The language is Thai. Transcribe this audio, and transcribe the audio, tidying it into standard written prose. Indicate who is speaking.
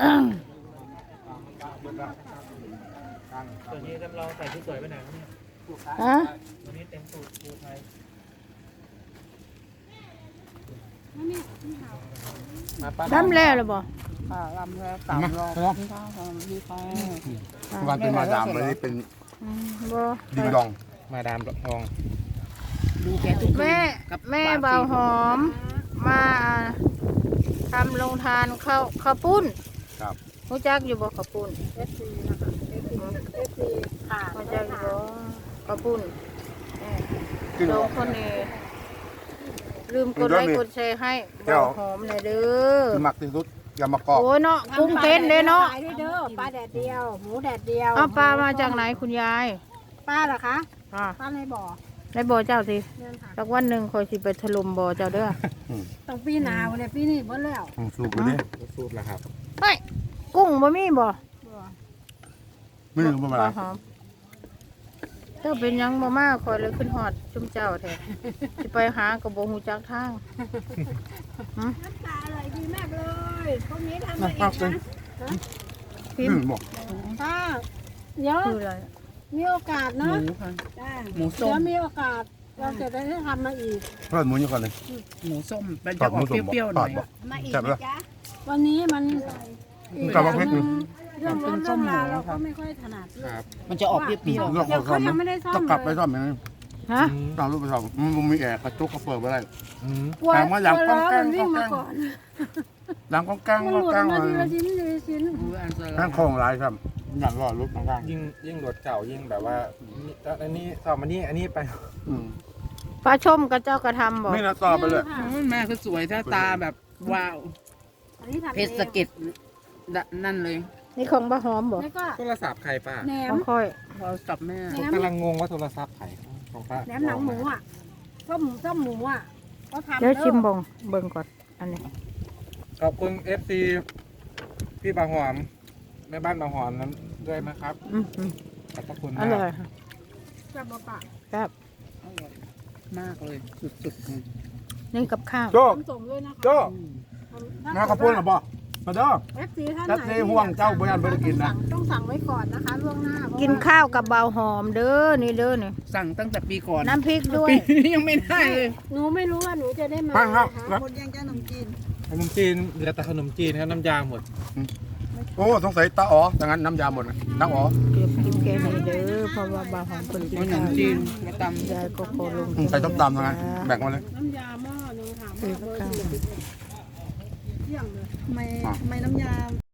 Speaker 1: ส่วนนี้จำลองใส่ชุดสวยไปไหนครับเนี่ย
Speaker 2: ฮะ
Speaker 1: วันนี้เต็มสูตรภูไทย
Speaker 2: ทำแล้วหรือบ่
Speaker 3: ลำแล้ว3 รอบที่ข้าวที่ข้าว
Speaker 4: วันเป็นมาดามวันนี้เป็น
Speaker 2: บ่
Speaker 4: ดิงดอง
Speaker 1: มาดามทอง
Speaker 3: ดูแกทุก
Speaker 2: แม่เบาหอมมาทำลงทานข้าวปุ้น
Speaker 4: ครับ
Speaker 2: รู้จักอยู่บ่ข้าวปุ้น
Speaker 3: FC นะคะ FC ค่ะ
Speaker 2: รู้จักอยู่บ่ข้าวปุ้น
Speaker 4: ขึ้น
Speaker 2: สองคนนี้ลืมกดไลค์กดแชร์ให้เบาหอมหน่อยเด้อ
Speaker 4: ที่มักที่สุดยำมะกอก
Speaker 2: โอ้ยเนาะกุ้งเต้นเด้เนาะ
Speaker 3: ขายด้วยเด้อปลาแดดเดียวหมูแดดเดียว
Speaker 2: เอาปลามาจากไหนคุณยาย
Speaker 3: ป้าเหรอคะ
Speaker 2: อ่า
Speaker 3: ป้าในบ่อ
Speaker 2: ได้บ่อเจ้าสิ
Speaker 3: เดินค่ะ
Speaker 2: สักวันหนึ่งคอยสิไปถล่มบ่อเจ้าเด้อ
Speaker 3: ต้องปีหนาวเนี่ยปีนี้หมดแล้ว
Speaker 4: สูบไปดิ
Speaker 1: สูตรละครับ
Speaker 2: เฮ้ยกุ้งบ่มีบ่
Speaker 3: บ่
Speaker 4: ไม่ถึงประมาณ
Speaker 2: บ่หอมเจ้าเป็นหยังบ่มาคอยเลยขึ้นฮอดจุ่มเจ้าแท้สิไปหาก็บ่ฮู้จักทาง
Speaker 3: น้ำตาอร่อยดีมากเลยพวกนี้ทำมาอีกนะ
Speaker 2: พิม
Speaker 4: บอก
Speaker 3: ป้าเดี๋ยว
Speaker 2: คืออะไร
Speaker 3: มีโอกาส
Speaker 5: ห
Speaker 3: เนาะ
Speaker 5: มูค่ะ
Speaker 3: จ้า
Speaker 5: หมูส้ม
Speaker 3: เดี๋ยวมีโอกาสเราจะได้ทำมาอีก
Speaker 4: ทอดหมูอยู่ก่อนเลย
Speaker 5: หมูส้มมันจะออกเปรี้ยวๆหน่อย
Speaker 4: บอก
Speaker 3: มาอีก
Speaker 4: จับแล้ว
Speaker 3: นะจ๊ะวันนี้มัน
Speaker 4: กลับมาพริกหนึ่ง
Speaker 3: เรื่องรถเรื่องราวเราก็ไม่ค่อยถนัด
Speaker 1: ครับ
Speaker 5: มันจะออกเปรี้ยว
Speaker 4: เรื่องของ
Speaker 3: เขายังไม่ได้ซ่อม
Speaker 4: ต้องกลับไปซ่อมอย่างนี้
Speaker 2: ฮะ
Speaker 4: ต้องรูปไปซ่อมมันมีแอร์กระจกเขาเปิดไว้ได้
Speaker 3: กลัว
Speaker 4: แต่ว่าอย่าง
Speaker 3: กลัว
Speaker 4: ก้องแกล้ง
Speaker 3: มันวิ่งมาก่อน
Speaker 4: หลังก้องแกล้ง
Speaker 3: มันห
Speaker 4: ก้อง
Speaker 3: ลุด
Speaker 4: แกล้ง
Speaker 3: มา
Speaker 4: เล
Speaker 3: ที
Speaker 4: ย
Speaker 3: ละชิ้นทีละชิ้น
Speaker 5: ๆหมูอันต
Speaker 4: นั่
Speaker 5: ราง ย
Speaker 4: โค้งหลายครับอย่างรอรถข้าง
Speaker 1: ยิ่งรถเก่ายิ่งแบบว่าอันนี้สอบมานี่อันนี้ไป
Speaker 4: ๆอืม
Speaker 2: ปลาชมกับเจ้ากระทำบ่
Speaker 4: นี่นะต่อไปเลย
Speaker 5: แม่คือสวยถ้าตาแบบว้าว
Speaker 3: อันนี้ทำ
Speaker 5: เพชรสะเก็ดนั่นเลย
Speaker 2: นี่ของปลาหอมบ่
Speaker 3: แล้วก็
Speaker 1: โทรศัพท์ใครป้า
Speaker 3: แหน
Speaker 2: ข
Speaker 3: ม
Speaker 2: องค่อย
Speaker 5: เราจับแม่
Speaker 3: แหน
Speaker 1: ผม
Speaker 3: ม
Speaker 1: กำลังงงว่าโทรศัพท์ใครของป้า
Speaker 3: แหนมหนังหมูอ่ะต้มหมูอ่ะก็ทำ
Speaker 2: เดี๋ยวชิม
Speaker 3: เด้อ
Speaker 2: บ่งเบิ่งก่อนอันนี้
Speaker 1: ขอบคุณ FC พี่บางหอมแม่บ้านบางหอมนั้นด้วยนะครับ
Speaker 2: อืม
Speaker 1: ขอบพระคุณ
Speaker 2: อ
Speaker 1: มาก
Speaker 2: ร่อยค่ะ
Speaker 3: จับมาปะ
Speaker 2: ครับ
Speaker 5: มากเลยสุดๆเลย
Speaker 2: นี่กับข้าว
Speaker 4: โจ้
Speaker 3: น้ำส่งด้วยนะคะ
Speaker 4: โจ้
Speaker 3: ถ้
Speaker 4: มาข้าวปุ้นหรอบ่มาเด้อ
Speaker 3: เอฟซีท่าน
Speaker 4: จัด
Speaker 3: ไหน
Speaker 4: ในห่วงเจ้าบ่ยันบ่ได้กินนะ
Speaker 3: ต้องสั่งไว้ก่อนนะคะล่วงหน้าเพระ
Speaker 2: กินข้าวกับเบาหอมเด้อนี่เด้อนี่
Speaker 5: สั่งตั้งแต่ปีก่อน
Speaker 2: น้ำพริกด้วย
Speaker 5: ปีนี้ยังไม่ได้เลย
Speaker 3: หนูไม่รู้ว่าหนูจะได้มา
Speaker 4: ฟังครับ
Speaker 3: นะคะหมดยังจ้าขนมจีน
Speaker 1: ขนมจีนเหลือแต่ขนมจีนครับน้ำยาหมด
Speaker 4: โอ้สงสัยตาอ๋อดังนั้นน้ำยาหมดนะน้ำอ๋อ
Speaker 2: เก็บกินแกงนี่เด้อเพราะว่าเบาหอมคนกิน
Speaker 5: ขน
Speaker 2: ข้าม ว
Speaker 5: จีนมาต
Speaker 2: ยายก็ขอลง
Speaker 4: ใส่ต้มตำดังนั้นแบ่งมาเลย
Speaker 3: น้ำยาหม้อหนึงค่ะหม้อเบอร์41เที่ยงเลย
Speaker 4: อ่ะ
Speaker 3: ทำไมน้ำยา